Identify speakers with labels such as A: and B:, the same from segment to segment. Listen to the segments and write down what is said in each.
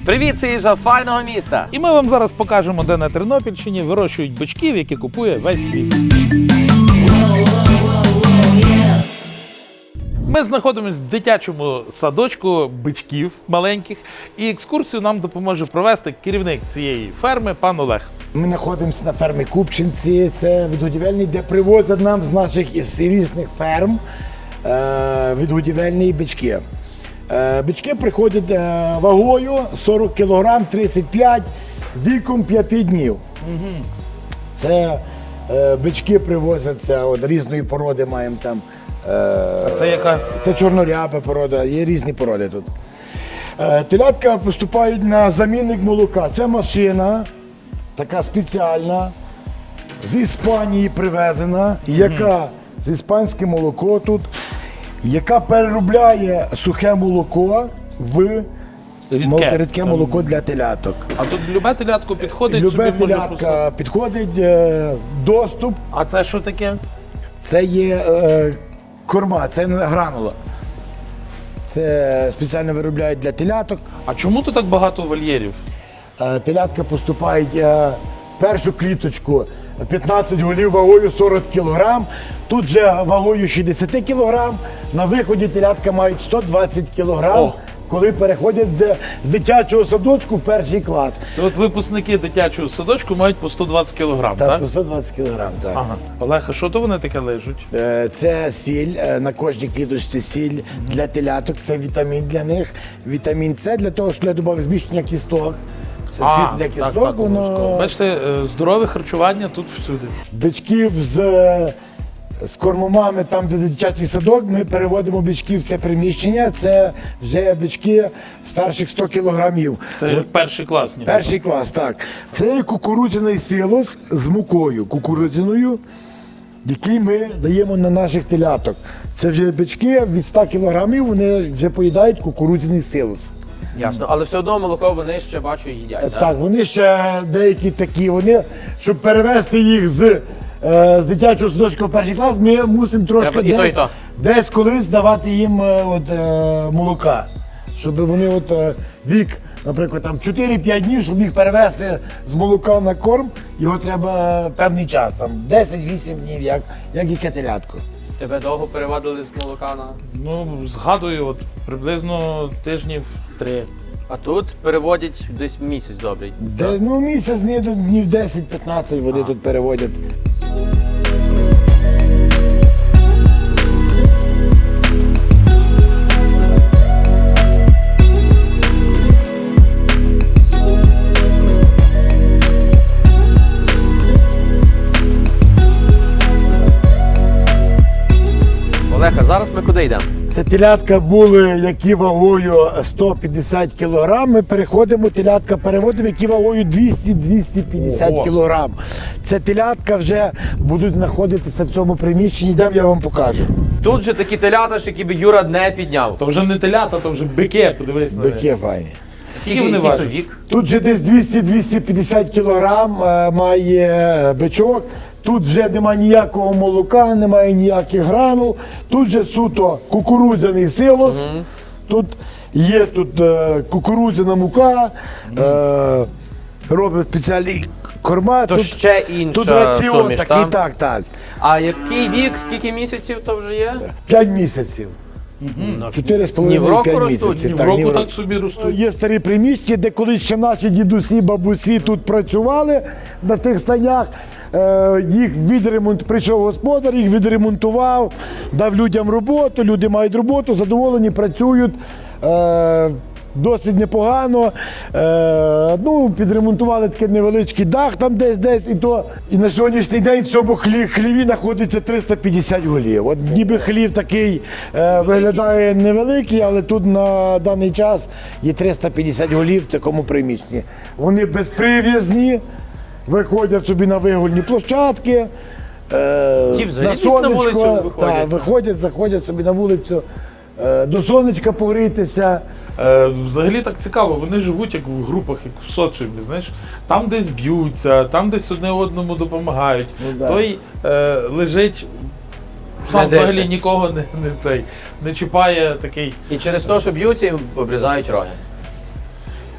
A: Привіт, це їжа файного міста.
B: І ми вам зараз покажемо, де на Тернопільщині вирощують бичків, які купує весь світ. Ми знаходимося в дитячому садочку бичків маленьких, і екскурсію нам допоможе провести керівник цієї ферми пан Олег.
C: Ми знаходимося на фермі Купчинці, це відгодівельний, де привозять нам з наших із різних ферм відгодівельні бички. Бички приходять вагою 40 кг, 35, віком 5 днів. Це бички привозяться от різної породи, маємо там.
B: Це яка?
C: Це чорноряба порода, є різні породи тут. Телятка поступають на замінник молока. Це машина, така спеціальна, з Іспанії привезена, яка з іспанське молоко тут, яка переробляє сухе молоко в рідке молоко для теляток.
B: А тут любе телятко підходить,
C: Любе
B: собі може
C: телятка підходить, доступ.
B: А це що таке?
C: Це є корма, це не гранула. Це спеціально виробляють для теляток.
B: А чому тут так багато вольєрів?
C: Телятка поступають в першу кліточку 15 голів вагою 40 кг. Тут же вагою 60 кг. На виході телятка мають 120 кг, коли переходять з дитячого садочку в перший клас.
B: Це от випускники дитячого садочку мають по 120 кг, так?
C: По 120 кг, так.
B: Ага. Олег, а що то вони таке лежуть?
C: Це сіль, на кожній кліточці сіль для теляток, це вітамін для них. Вітамін С для того, що для добового зміщення кісток. Це скріп для кісток, воно...
B: Бачите, здорове харчування тут всюди.
C: Бичків з кормомами, там, де дитячий садок, ми переводимо бичків в це приміщення. Це вже бички старших 100 кілограмів.
B: Це перший клас. Ніби.
C: Перший клас, так. Це кукурудзяний силос з мукою кукурудзяною, який ми даємо на наших теляток. Це вже бички від 100 кілограмів, вони вже поїдають кукурудзяний силос.
A: Ясно, але все одно молоко вони ще, бачу, їдять,
C: Так, вони ще деякі такі, вони, щоб перевести їх з дитячого садочка в перший клас, ми мусимо трошки
A: і то, і то.
C: десь колись давати їм молока. Щоб вони вік, наприклад, там 4-5 днів, щоб їх перевести з молока на корм, його треба певний час, там 10-8 днів, як яке телятко.
A: Тебе довго переводили з молока на...
B: Ну, згадую, от приблизно тижнів 3.
A: А тут переводять десь місяць добрий.
C: Місяць, днів 10-15 вони тут переводять.
A: Олег, а зараз ми куди йдемо?
C: Це телятка були, які вагою 150 кг. Ми телятка переводимо, які вагою 200-250 кг. Це телятка вже будуть знаходитися в цьому приміщенні, йдемо, я вам покажу.
A: Тут же такі телята, які би Юра не підняв.
B: То вже не телята, то вже бики, подивись на них.
C: Бики файні.
B: Скільки вони
A: який то
B: важать?
A: вік?
C: Тут же десь 200-250 кг має бичок. Тут вже немає ніякого молока, немає ніяких гранул. Тут же суто кукурудзяний силос. Тут є кукурудзяна мука, робить спеціальні корма.
A: То ще інша
C: Тут раціон
A: суміш,
C: такий,
A: так?
C: так.
A: А який вік, скільки місяців то вже є?
C: 5 місяців. 4,5-5 місяців.
B: В року так собі ростуть.
C: Є старі приміщення, де колись ще наші дідусі, бабусі тут працювали на тих станях. Прийшов господар, їх відремонтував, дав людям роботу, люди мають роботу, задоволені, працюють. Досить непогано. Підремонтували такий невеличкий дах там десь і то. І на сьогоднішній день в цьому хліві знаходиться 350 голів. От ніби хлів такий виглядає невеликий, але тут на даний час є 350 голів в такому приміщенні. Вони безприв'язні, виходять собі на вигульні площадки,
A: Ті взагалі
C: на
A: десь на
C: сонечко.
A: вулицю виходять?
C: Так, виходять, заходять собі на вулицю. До сонечка погрітися.
B: Взагалі так цікаво, вони живуть як в групах, як в соціумі, знаєш. Там десь б'ються, там десь одне одному допомагають. Той лежить, сам взагалі нікого не чіпає такий.
A: І через те, що б'ються, їм обрізають роги.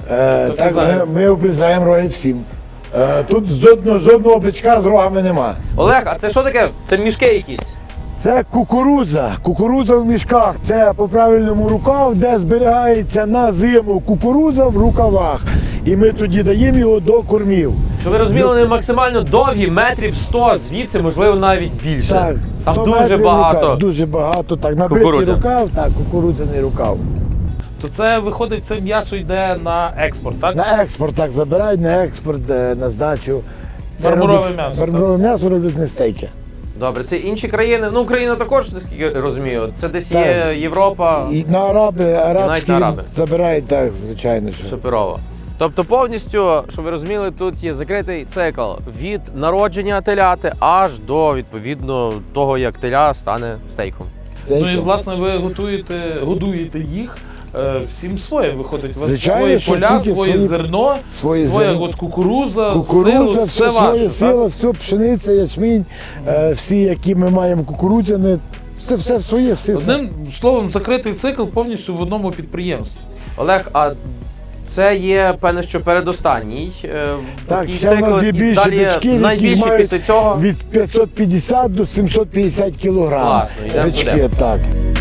C: Так,
B: казали.
C: ми обрізаємо роги всім. Тут жодного бичка з рогами нема.
A: Олег, а це що таке? Це мішки якісь?
C: Це кукурудза в мішках. Це по правильному рукав, де зберігається на зиму кукурудза в рукавах. І ми тоді даємо його до кормів.
A: Що ви розуміли, вони максимально довгі, метрів 100, звідси, можливо, навіть більше.
C: Так,
A: Там
C: 100
A: дуже
C: метрів
A: багато.
C: рукав, дуже багато. Так, набитий
A: Кукурудзя.
C: рукав, так, кукурудзяний рукав.
B: То це виходить, це м'ясо йде на експорт, так?
C: На експорт так забирають, на експорт, на здачу. Це
B: Мармурове
C: роблять-
B: м'ясо,
C: Мармурове м'ясо роблять не стейки.
A: Добре, це інші країни. Ну, Україна також, наскільки я розумію. Це десь
C: Так.
A: є Європа,
C: І на арабські
A: араби.
C: забирають, так, звичайно. Що.
A: суперово. Тобто повністю, щоб ви розуміли, тут є закритий цикл від народження теляти аж до, відповідно, того, як теля стане стейком.
C: Стейки.
B: Ну і власне ви годуєте їх всім своє виходить. У вас
C: Звичайно,
B: свої
C: що
B: поля,
C: тільки
B: своє
C: свої-
B: зерно,
C: свої
B: своя
C: зерно.
B: от кукурудза,
C: Кукурудза,
B: силу,
C: все
B: ваше,
C: своє,
B: так?
C: сила, все пшениця, ячмінь, всі, які ми маємо кукурудзяне, все своє, все.
B: Одним словом, закритий цикл повністю в одному підприємстві.
A: Олег, а це є, певне, що передостанній
C: Так,
A: такий
C: ще в нас
A: цикл,
C: є
A: і
C: більше
A: далі
C: бичків, які
A: найбільше
C: мають
A: після цього.
C: від 550 до 750 кілограм.
A: Класно, йдемо
C: Бички,
A: туди.
C: так.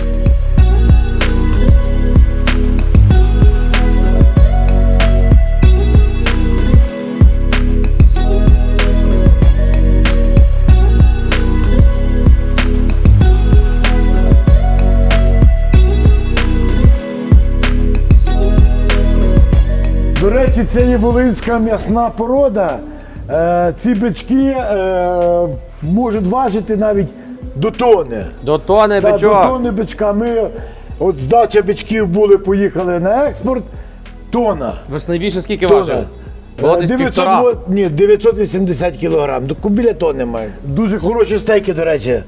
C: До речі, це є волинська м'ясна порода. Ці бички можуть важити навіть до тони.
A: До тони
C: Та, до
A: бичок.
C: тони бичка. Ми, от здача бичків були, поїхали на експорт, тонна.
A: Ви найбільше скільки
C: Тонна.
A: важили? Було десь
C: 980 кілограм, біля тонни має. Дуже хороші стейки, до речі.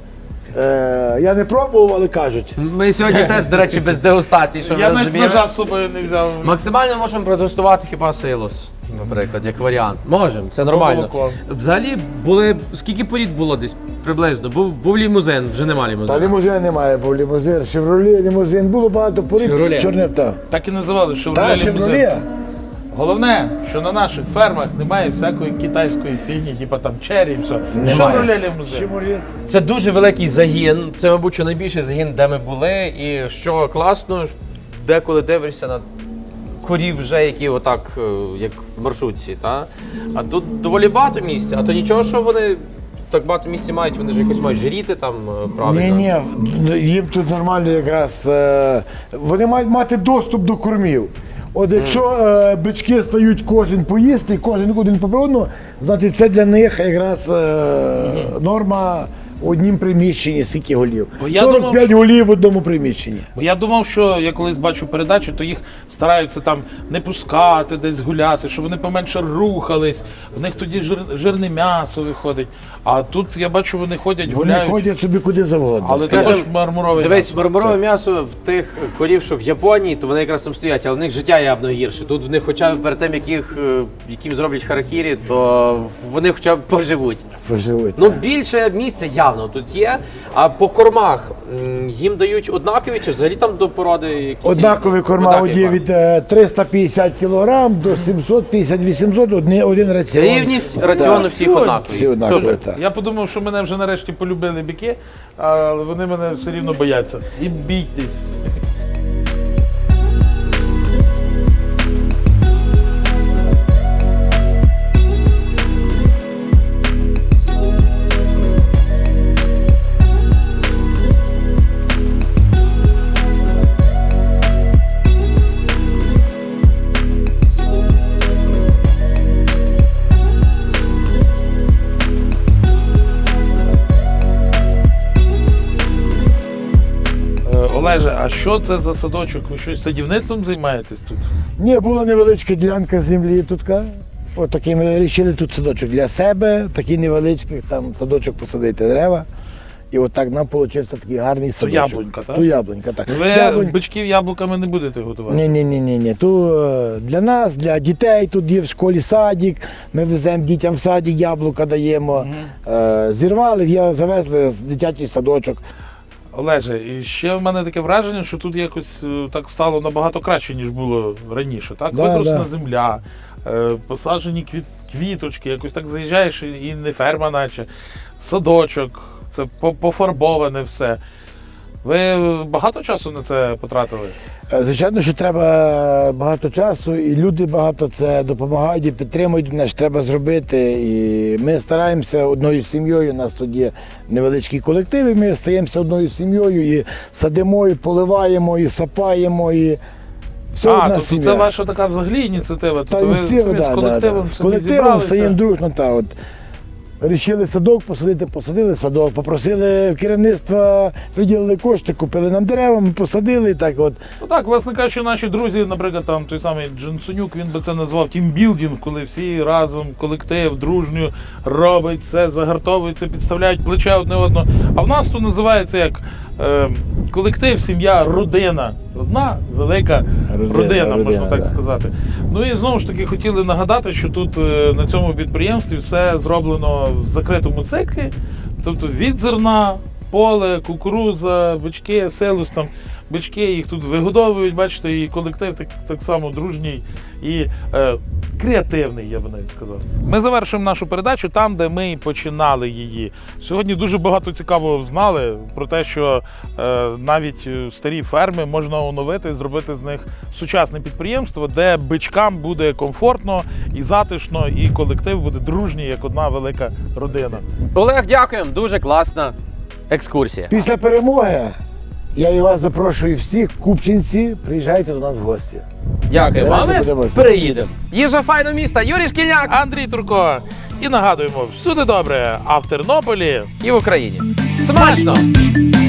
C: Я не пробував, але кажуть.
A: Ми сьогодні теж, до речі, без дегустації, що ви
B: Я навіть
A: розуміли.
B: ножа з собою не взяв.
A: Максимально можемо протестувати хіба силос, наприклад, як варіант. Можемо, це нормально.
B: Молоко.
A: Взагалі були. Скільки порід було десь приблизно? Був лімузин, вже нема
C: Та
A: лімузина.
C: лімузина немає, бо лімузин, шевроле, лімузин, було багато порід.
A: «Шевроле».
C: Чорне, так.
B: Так і називали, що
C: Та, шевроле.
B: Головне, що на наших фермах немає всякої китайської фігні, типу там чері і все.
C: Немає.
B: Шевроле лімузин.
C: Шевроле.
A: Це дуже великий загін. Це, мабуть, що найбільший загін, де ми були. І що класно, деколи дивишся на корів вже, які отак, як в маршрутці. Та? А тут доволі багато місця. А то нічого, що вони так багато місця мають, вони ж якось мають жиріти там правильно.
C: Ні, їм тут нормально якраз. Вони мають мати доступ до кормів. От якщо бички стають кожен поїсти, кожен один по одному, значить це для них якраз норма в однім приміщенні, скільки голів.
B: Бо я
C: 45
B: думав,
C: голів в одному приміщенні.
B: Бо я думав, що я колись бачу передачу, то їх стараються там не пускати, десь гуляти, щоб вони поменше рухались, в них тоді жирне м'ясо виходить. А тут я бачу, вони ходять,
C: Вони
B: гуляють,
C: ходять собі куди завгодно.
B: але
A: Скажем,
B: також мармурове
A: Дивись,
B: м'ясо.
A: мармурове м'ясо в тих корів, що в Японії, то вони якраз там стоять, але в них життя явно гірше. Тут в них хоча б перед тим, яким зроблять харакірі, то вони хоча б поживуть.
C: Поживуть.
A: Ну, більше місця явно тут є. А по кормах їм дають однакові чи взагалі там до породи якісь?
C: Однакові корма
A: Однакові
C: є від 350 кг до 750-800, один раціон.
A: Рівність раціону всіх
B: Всі
A: однакові.
C: всі однакові,
A: Супер.
C: так.
B: Я подумав, що мене вже нарешті полюбили біки, але вони мене все рівно бояться. І бійтесь. Олеже, а що це за садочок? Ви щось садівництвом займаєтесь тут?
C: Ні, була невеличка ділянка землі тут. От такий ми вирішили тут садочок для себе, такий невеличкий, там садочок посадити дерева. І от так нам вийшов такий гарний садочок.
B: яблунька, так?
C: То яблунька, так.
B: Ви бичків яблуками не будете готувати?
C: Ні. То для нас, для дітей, тут є в школі садик, ми веземо дітям в садик, яблука даємо. Зірвали, завезли в дитячий садочок.
B: Олеже, і ще в мене таке враження, що тут якось так стало набагато краще, ніж було раніше. Так?
C: Да,
B: Витрушена
C: да.
B: земля, посаджені квіточки, якось так заїжджаєш і не ферма, наче садочок, це пофарбоване все. Ви багато часу на це потратили?
C: Звичайно, що треба багато часу, і люди багато це допомагають і підтримують, значить треба зробити. І ми стараємося одною сім'єю, у нас тут є невеличкий колектив, і ми стаємося одною сім'єю і садимо, і поливаємо, і сапаємо, і все одна
B: тобто
C: сім'я.
B: це ваша така взагалі ініціатива?
C: Та
B: Тобто ви
C: всі,
B: самі з колективом
C: З
B: собі
C: колективом
B: зібралися?
C: стаємо дружно. От. Рішили садок посадити, посадили садок, попросили керівництва, виділили кошти, купили нам дерева, ми посадили і так от.
B: Ну так, власне кажучи, наші друзі, наприклад, там той самий Джонсонюк, він би це назвав тімбілдинг, коли всі разом, колектив, дружньо робить це, загартовуються, підставляють плече одне одного. А в нас тут називається як колектив, сім'я, родина. Одна велика родина, можна так сказати. Ну і знову ж таки хотіли нагадати, що тут на цьому підприємстві все зроблено в закритому циклі, тобто від зерна, поле, кукурудза, бички, селус, там бички, їх тут вигодовують, бачите, і колектив так само дружній і креативний, я би навіть сказав. Ми завершуємо нашу передачу там, де ми і починали її. Сьогодні дуже багато цікавого знали про те, що навіть старі ферми можна оновити, зробити з них сучасне підприємство, де бичкам буде комфортно і затишно, і колектив буде дружній, як одна велика родина.
A: Олег, дякуємо, дуже класна екскурсія.
C: Після перемоги я і вас запрошую всіх, купчинці, приїжджайте до нас в гості.
A: Дякую,
C: Давайте
A: мами.
C: будемо.
A: Переїдемо. Їжа файного міста, Юрій Шкільняк.
B: Андрій Турко. І нагадуємо, всюди добре, а в Тернополі
A: І в Україні. Смачно!